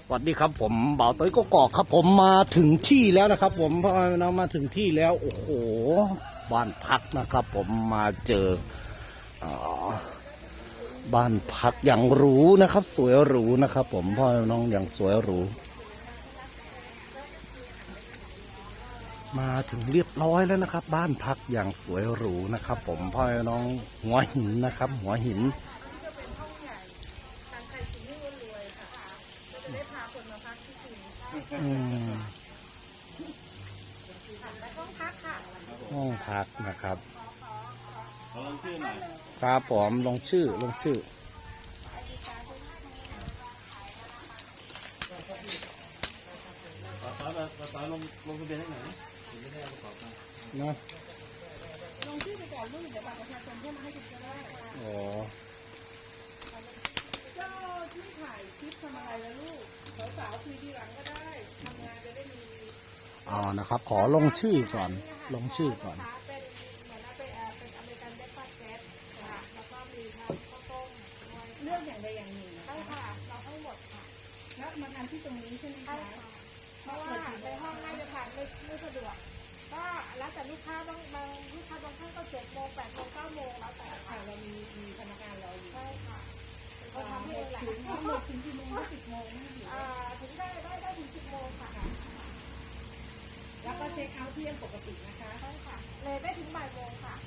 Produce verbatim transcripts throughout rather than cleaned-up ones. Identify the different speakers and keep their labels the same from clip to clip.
Speaker 1: สวัสดีครับผมบ่าวต้อยก็กอกครับผมมาถึงที่แล้วนะครับผมพอเรามาถึงที่แล้วโอ้โหบ้านพักนะครับ ผมมาเจอบ้านพักอย่างหรูนะครับสวยหรูนะครับ ผมพ่อน้องอย่างสวยหรูมาถึงเรียบร้อยแล้วนะครับบ้านพักอย่างสวยหรูนะครับ ผมพ่อน้องหัวหินนะครับหัวหินห้องพักนะครับลงชื่อหน่อยครับผมลงชื่อลงชื่อ
Speaker 2: ต่อต่อลงลงทะเบียนให้หน่อยไม่ได้เอากระเป๋าตังค์
Speaker 1: นะ
Speaker 3: ลงชื่อไปก่อนลูกเดี๋ยวบัตรประชาชนเพื่อมาให้คุณก็ได้
Speaker 1: อ๋อ
Speaker 3: เจ้าที่ถ่ายคลิปทำอะไรแล้วลูกสาวๆคุยทีหลังก็ได้ทำงานจะได้มี
Speaker 1: อ๋อนะครับขอลงชื่อก่อนลงชื่อก่อน
Speaker 3: เป็นเหมือนเป็นเป็นอเมริกันเบรคฟาสต์เซตค่ะแล้วก็มีข้าวต้มเลือกอย่างใดอย่างหนึ่งใช่ค่ะเราให้หมดค่ะแล้วมาทานที่ตรงนี้ใช่ไหมคะเพราะว่าในห้องน่าจะทานไม่ไม่สะดวกก็แล้วแต่ลูกค้าบางบางลูกค้าบางท่านก็เจ็ดโมงแปดโมงเก้าโมงแล้วแต่ค่ะเรามีมีพนักงานเราอยู่ใช่ค่ะก็ทำให้หลายทั้งหมดถึงกี่โมงสิบโมงอ่าถึงได้ได้ได้ถึงสิบโมงค่ะแล้วก็เช็คเอาท์เที่ยงปกตินะคะใช่ค่ะเลยได้ถึงบ่ายโมงค่ะ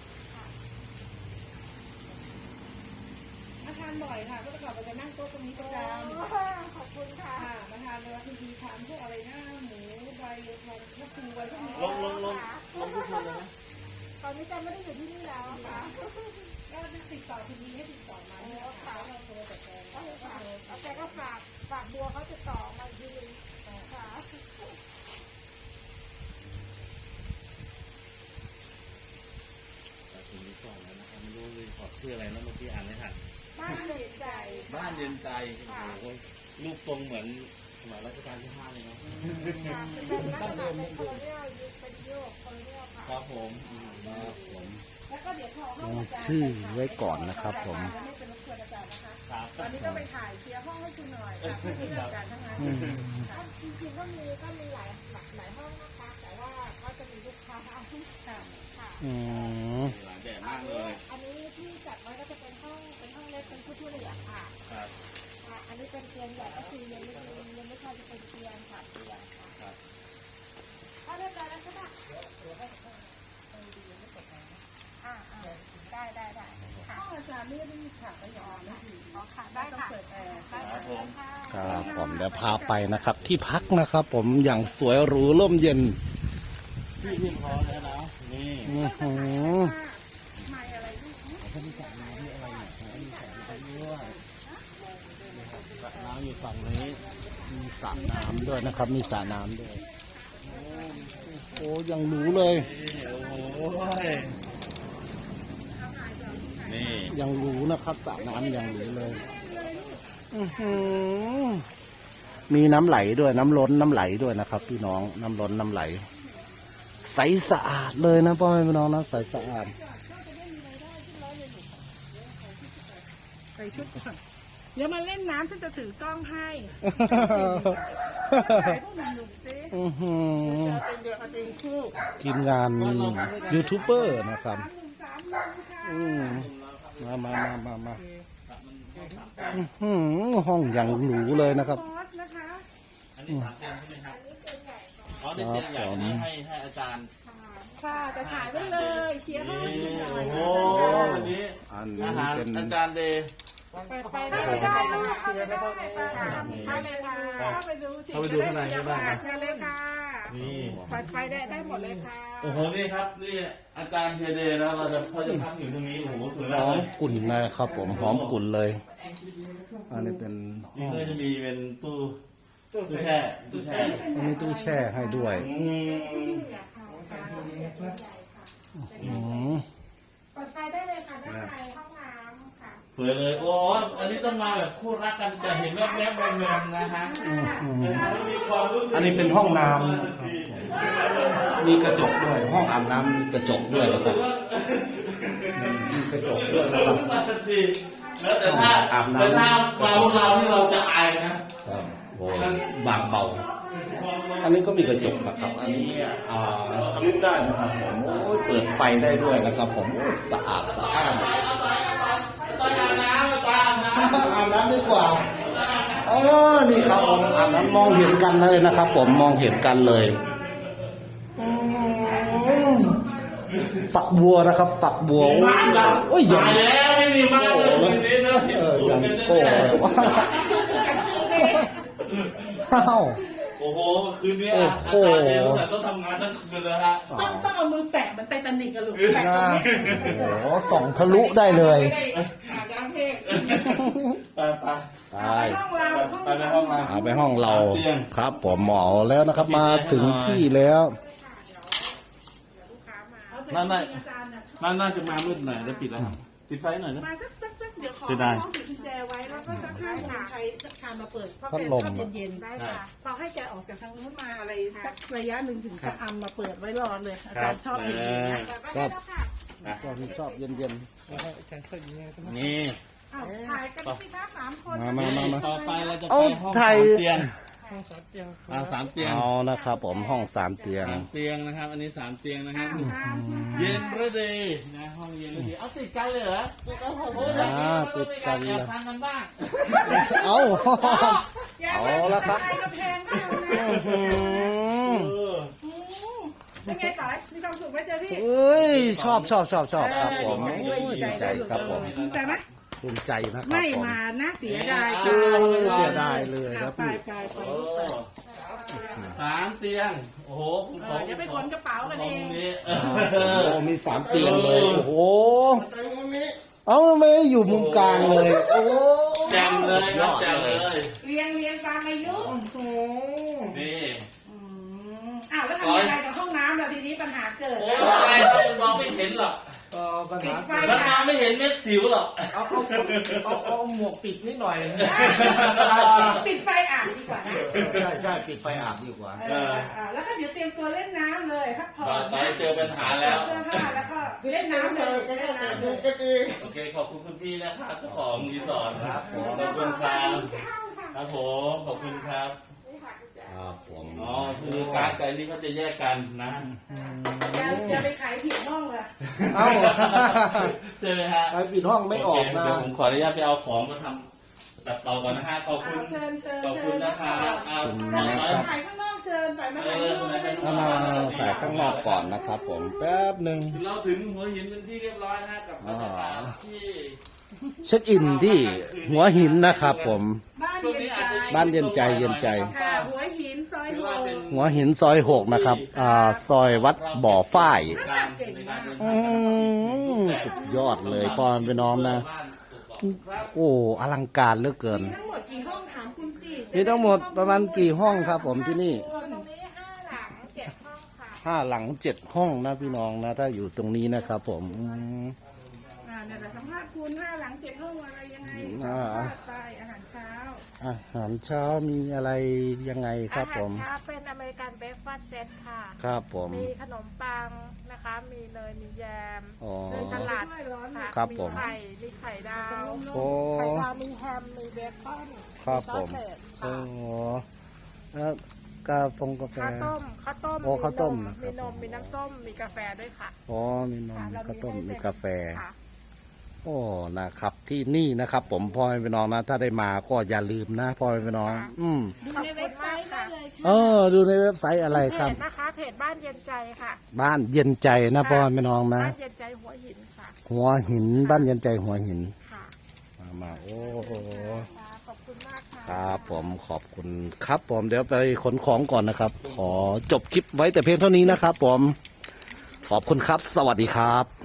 Speaker 3: มาทานบ่อยค่ะก็จะกลับไปจะนั่งโต๊ะตรงนี้ประจำขอบคุณค่ะมาทานเวลาทีดีทานพวกอะไรหน้าหมูใบทองมะกรูดใบพวกนี้
Speaker 2: ลงลงลงลงทุกคนเลยนะ
Speaker 3: ตอนนี้จะไม่ได้อยู่ที่นี่แล้วค่ะก็ติดต่อทีดีให้ติดต่อมาเนี่ยค่ะเราโทรแต่แกก็ฝากแล้วแกก็ฝากฝากบัวเขาจะต่อมาทีนึงค่ะ
Speaker 2: สิ่งที่สองแล้วนะครับไม่รู้เลยขอชื่ออะไรนะเมื่อกี้อ่านไม่ทัน
Speaker 3: บ้านเย็นใจ
Speaker 2: บ้านเย็นใจโอ้โหรูปทรงเหมือนสมัยรัชกาลที่ห้าเลยเนาะ
Speaker 3: เป็นลักษณะเป็นโคโลเนียลเป็นโยกโคโลเนียลค่ะ
Speaker 2: ครับผมครับผม
Speaker 3: แล้วก็เดี๋ยวขอ
Speaker 1: ลงชื่อไว้ก่อนนะครับผม
Speaker 3: ไม่เป็นรบกวนอาจารย์นะคะตอนนี้ก็ไปถ่ายเชียร์ห้องให้คุณหน่อยที่มีการทั้งนั้นจริงๆก็มีก็มีหลายหลายห้องนะคะแต่ว่าก็จะมีลูกค้าเอาที่ค่ะค่ะ
Speaker 1: อืม
Speaker 2: หลายแบบมากเลย
Speaker 3: อันนี้ที่จัดไว้ก็จะเป็นห้องเป็นห้องเล็กเป็นชุดผู้เหลือค่ะ
Speaker 2: ครับ
Speaker 3: อันนี้เป็นเตียงใหญ่ก็คือยังไม่ยังไม่พอจะเป็นเตียงค่ะเตียงค่ะ
Speaker 2: ครับ
Speaker 3: ถ้าเรียบร้อยแล้วก็ได้อ่าได้ได้ได้ค่ะอาจารย์ไม่ได้มีขาประยอนนะอ๋อค่ะได้ค่ะ
Speaker 2: ครับผม
Speaker 1: ครับผมเดี๋ยวพาไปนะครับ ที่พักนะครับ ผมอย่างสวยหรูร่มเย็น
Speaker 2: พี่พี่พอแล้วนะนี่
Speaker 1: อือหือ
Speaker 3: ไม่อะไรลูก
Speaker 2: เขามีสระน้ำมีอะไรเนี่ยเขามีสระน้ำด้วยสระน้ำอยู่ฝั่งนี้
Speaker 1: มีสระน้ำด้วยนะครับมีสระน้ำด้วยโอ้ยังหรูเลย
Speaker 2: โอ้ยนี่
Speaker 1: ยังหรูนะครับสระน้ำยังหรูเลยอือหือมีน้ำไหลด้วยน้ำล้นน้ำไหลด้วยนะครับพี่น้องน้ำล้นน้ำไหลใสสะอาดเลยนะพ่อแม่พี่น้องนะใสสะอาด
Speaker 3: ใส่ชุดก่อนเดี๋ยวมาเล่นน้ำฉันจะถือกล้องให้ถ่ายพวกหนุ่มๆสิจะเป็นเดือดเอาเองคู่
Speaker 1: ทีมงานยูทูบเบอร์นะครับอืมมามามามามาห้องอย่างหรูเลยนะครับ
Speaker 2: อันนี้สามเตียงใช่ไหมครับอ๋อเตียงใหญ่นี้ให้ให้อาจารย์
Speaker 3: ค่ะจะถ่ายไว้เลยเชียร์ห้องนี้หน่อย
Speaker 2: โอ้อันนี้
Speaker 1: อันนี้เป็น
Speaker 2: อาจารย์เดย์
Speaker 3: ไปได้ได้เข้าไปได้เข้าเลยค่ะเข้าไปดูสิจะได้เชียร์ค่ะเชียร์เลยค่ะ
Speaker 2: นี่
Speaker 3: ไฟไฟได้ได้หมดเลยค่ะ
Speaker 2: โอ้โหนี่ครับนี่อาจารย์เทเดย์นะเราจะเขาจะพักอยู่ตรงนี้โอ้โหสวยมาก
Speaker 1: หอมกุ่นนะครับผมหอมกุ่นเลยอันนี้เป็น
Speaker 2: นี่ก็จะมีเป็นตู้ตู้แช่ตู้แช่
Speaker 1: มีตู้แช่ให้ด้วย
Speaker 2: อืม
Speaker 3: เปิดไฟได้เลยค่ะด้านในห้องน้ำค่ะ
Speaker 2: สวยเลยโอ้อันนี้ต้องมาแบบคู่รักกันจะเห็นแวบๆแวบๆนะฮะ
Speaker 1: อันนี้เป็นห้องน้ำมีกระจกด้วยห้องอาบน้ำมีกระจกด้วยนะครับมีกระจกด้วยนะครับ
Speaker 2: แล้วแต่ถ้าแต่ถ้ามาพวกเราที่เราจะอายนะ
Speaker 1: โอ้บางเบา อันนี้ก็มีกระจกนะครับ อันนี้อ่าทะลุได้นะครับผมโอ้ยเปิดไฟได้ด้วยนะครับผมโอ้สะอาดสะอาดอาบน้ำดีกว่าอ๋อนี่ครับผมอาบน้ำมองเห็นกันเลยนะครับ ผมมองเห็นกันเลยอืมฝักบัวนะครับ ฝักบัวโอ้ยยัง
Speaker 2: แล้วไม่มีมาเลยคืนนี้เนอะ
Speaker 1: เออยังโก้เลยว่าอ้าว
Speaker 2: โอ้โหคืนนี้
Speaker 1: โอ้
Speaker 2: อา
Speaker 1: โห
Speaker 2: กาศเย็นแต่ต้องทำงานทั้งคืนเลยฮะ
Speaker 3: ต้องต้องเอามือแตะเหมือนไททานิกอะลูกแตะตรงนี้
Speaker 1: โอ้โหส่องทะลุได้เลย
Speaker 3: อาบน้ำเทพ
Speaker 2: ไปไป
Speaker 1: ไป
Speaker 3: ห้องเรา
Speaker 2: ไปในห้องเรา
Speaker 1: เอาไปห้องเราครับผมหมอแล้วนะครับมาถึงที่แล้ว
Speaker 2: นั่นน่ะนั่นน่าจะมามืดหน่อยแล้วปิดแล้วปิดไฟหน่อยนะ
Speaker 3: มาสักสักสักเดี๋ยวขอ
Speaker 2: เสียดาย
Speaker 3: ห้องปิดกุญแจไว้แล้วก็สักห้าโมงใช้คานมาเปิดเพราะ
Speaker 1: พั
Speaker 3: แก
Speaker 1: ด
Speaker 3: ช
Speaker 1: ล
Speaker 3: อ
Speaker 1: ม
Speaker 3: บเย็นๆได้ค่ะเราให้แกออกจากทางนู้นมาอะไรสักระยะหนึ่งถึงสักอัมมาเปิดไว้รอเลยอาจารย์ชอบเย็นๆนะ
Speaker 1: ก็ก็ชอบเย็น
Speaker 2: นี่
Speaker 3: อ้าวถ่ายกันสิคะสามคน
Speaker 1: ๆมามามามา
Speaker 2: ต่อไปเราจะไป
Speaker 1: เอ้า
Speaker 2: ห้อง
Speaker 1: ไท
Speaker 2: สาย มเตียงห้องสามเตียงอ่าสามเตียง
Speaker 1: เอานะครับผมห้องสามเตียง
Speaker 2: สามเตียงนะครับ อันนี้สามเตียงนะครับ
Speaker 3: ตาม
Speaker 2: เย็นระดีนะห้องเย็นระดีเอาติดกันเลยเหรอโอ้ย
Speaker 1: อ่าติดกัน
Speaker 2: เล
Speaker 1: เลย ย
Speaker 2: ทานกันบ้าง
Speaker 1: เอา
Speaker 3: อย่า
Speaker 1: เอา
Speaker 3: ไป
Speaker 1: ละครับ
Speaker 3: ใกระแพงมากนะ
Speaker 1: อื้อหือ
Speaker 2: เออ
Speaker 3: อืมเป็นไงต่อยมีความสุขไหมเจอพี่
Speaker 1: เอ้ยชอบชอบชอบชอบครับผมโอ้ยดีใจครับผม
Speaker 3: ภูมิใจไหม
Speaker 1: ภูมิใจนะครับ
Speaker 3: ไม่
Speaker 1: ผม
Speaker 3: มานะเสียดาย
Speaker 1: เออเสียดายเลยครับ
Speaker 3: ไป
Speaker 1: พี่
Speaker 3: ไปไป
Speaker 2: โอ้สามเตียง โอ้โหผม
Speaker 3: เอ
Speaker 2: ขอ
Speaker 3: อจะไปขนกระเป๋ากัน
Speaker 2: ขอ
Speaker 3: เอง
Speaker 2: งนี้เอ
Speaker 1: โอ้
Speaker 2: อ
Speaker 1: มีสามเตียงเลยโอ้โหเอ้าไม่อยู่มุมกลางเลยโอ้
Speaker 2: แจ่มเลยครับแจ่มเลย
Speaker 3: เรียงเรียงตามอายุ
Speaker 2: นี่
Speaker 3: อืมอ้าวแล้วทำยังไงกับห้องน้ำล่ะทีนี้ปัญหาเกิด
Speaker 2: โอ้ยอะไรครับมันมองไม่เห็นหรอก
Speaker 1: ปัญ
Speaker 3: ปิ
Speaker 1: หา
Speaker 3: ดไฟ
Speaker 2: มันมองไม่เห็นเม็ดสิวหรอก
Speaker 1: เอาเอาเอาเอาหมวกปิดนิดหน่อย
Speaker 3: ปิดไฟอ่านดีกว่านะ
Speaker 1: ใช่ใช่ปิดไฟอาบดีกว่า
Speaker 3: เอออ่าแล้วก็เดี๋ยวเตรียมตัวเล่นน้ำเลยพักผ่อ
Speaker 2: ตอน นนี้เจอปัญหาแล้ว
Speaker 3: เสื้อผ้าแล้วก็เล่นน้ำเลยเล่นน้ำเลย
Speaker 2: โอเคขอบคุณคุณพี่นะครับเจ้าของรีสอร์ทครับผมข
Speaker 3: เจ้า
Speaker 2: อบ
Speaker 3: ข
Speaker 2: คุ
Speaker 3: อง
Speaker 2: ณค
Speaker 3: ร้า
Speaker 2: รั
Speaker 3: น
Speaker 2: บ
Speaker 3: เช่าค่ะ
Speaker 2: ครับผมขอบคุณครับ
Speaker 1: ครับผม
Speaker 2: อ๋อคือการ์ดกับอันนี้เขาจะแยกกันนะ
Speaker 3: อย่าอย่าไปขายผิดห้องเลย
Speaker 1: เอ้า
Speaker 2: ใช่ไหมฮะ
Speaker 1: ไปปิดห้องไม่ออก
Speaker 2: โเค
Speaker 1: นะ
Speaker 2: เดี๋ยวผมขออนุญาตไปเอาของมาทำตัดต่อก่อนนะฮะขอบคุ
Speaker 3: เอา
Speaker 2: ณ
Speaker 3: เชิญเชิญ
Speaker 2: ขอบ
Speaker 3: เชิ
Speaker 2: คุณ
Speaker 3: ญ
Speaker 2: นะครับเอา
Speaker 3: ถ่าย
Speaker 2: เอาเอา
Speaker 3: ถ่ายข้างนอกเชิญถ่ายมาถ่ายข้างนอกได้
Speaker 1: ถ้ามาถ่ายข้างนอกก่อนนะครับผมแป๊บหนึ่ง
Speaker 2: เราถึงหัวหินเป็นที่เรียบร้อยนะฮะกับบรรยากาศที่
Speaker 1: เช็คอินที่หัวหินนะครับผม
Speaker 3: บ้านเย็นใจ
Speaker 1: บ้านเย็นใจเย็นใจ
Speaker 3: ค่ะหัวหินซอย
Speaker 2: ถือ
Speaker 3: โฮ
Speaker 2: ว่าเป็น
Speaker 1: หัวหินซอยหกนะครับอ่าซอยวัดบ่อฝ้าย
Speaker 2: การในการเดิน
Speaker 1: อืมสุดยอดเลยปอนไปน้องนะ
Speaker 2: บ้านครับ
Speaker 1: โอ้อลังการเหลือเกิน
Speaker 3: ทั้งหมดกี่ห้องถามคุณสิ
Speaker 1: มีทั้งหมดประมาณกี่ห้องครับผมที่นี่
Speaker 3: ตรงนี้ห้าหลังเจ็ดห้องค่ะ
Speaker 1: ห้าหลังเจ็ดห้องนะพี่น้องนะ ถ้าอยู่ตรงนี้นะครับผมอืม
Speaker 3: อ่าเนี่ยแต่สัมภาษณ์คุณห้าหลังเจ็ดห้องอะไรยังไง
Speaker 1: อ่า
Speaker 3: ไปอาหารเช้า
Speaker 1: อาหารเช้ามีอะไรยังไงครับผม
Speaker 4: อาหารเช้าเป็นอเมริกันเบรคฟาสต์เซตค่ะ
Speaker 1: ครับผม
Speaker 4: มีขนมปังนะคะ มีเนย มีแยม
Speaker 1: อ๋อ
Speaker 4: มีสลัด
Speaker 3: ด้วยร้อน
Speaker 4: ค่ะ
Speaker 1: ครับ
Speaker 4: มี
Speaker 1: ผม
Speaker 4: ไข่ มีไข่ดาว
Speaker 1: โอ้
Speaker 4: ไข่ดาว มีแฮม มีเบคอน
Speaker 1: ครับ
Speaker 4: มีซอ
Speaker 1: ผ
Speaker 4: ส
Speaker 1: ม
Speaker 4: เสร็จ
Speaker 1: โอ้
Speaker 4: ค่ะ
Speaker 1: แล้วกาฟงกาแฟ
Speaker 4: ข้าวต้ม ข้าวต้ม
Speaker 1: โอ้ข้าวต้ม
Speaker 4: น
Speaker 1: นะครับ
Speaker 4: มีนม มีน้ำส้ม มีกาแฟด้วยค่ะ
Speaker 1: อ๋อมีนม
Speaker 4: ค่ะ
Speaker 1: มี
Speaker 4: เร
Speaker 1: ข้าวต้ม
Speaker 4: ให้
Speaker 1: มี
Speaker 4: เป็น
Speaker 1: กาแฟ
Speaker 4: ค่ะ
Speaker 1: โอ้นะครับ ที่นี่นะครับ ผมพ่อแม่พี่น้องนะ ถ้าได้มาก็อย่าลืมนะพ่อแม่พี่น้อง อืม
Speaker 3: ดูในเว็บไซต์ได้เลยค่ะ
Speaker 1: เออดูในเว็บไซต์อะไร
Speaker 4: เพ
Speaker 1: ครับ
Speaker 4: จนะคะ เพจบ้านเย็นใจค่ะ
Speaker 1: บ้านเย็นใจนะพ่อแม่พี่น้องนะ
Speaker 4: บ้านเย็นใจหัวหินค่ะ
Speaker 1: หัวหินบ้านเย็นใจหัวหิน
Speaker 4: ค่ะ
Speaker 1: มามาโอ้โห
Speaker 4: ค่ะขอบคุณมากค่ะ
Speaker 1: ครับผมขอบคุณครับผมเดี๋ยวไปขนของก่อนนะครับ ขอจบคลิปไว้แต่เพียงเท่านี้นะครับผมขอบคุณครับ สวัสดีครับ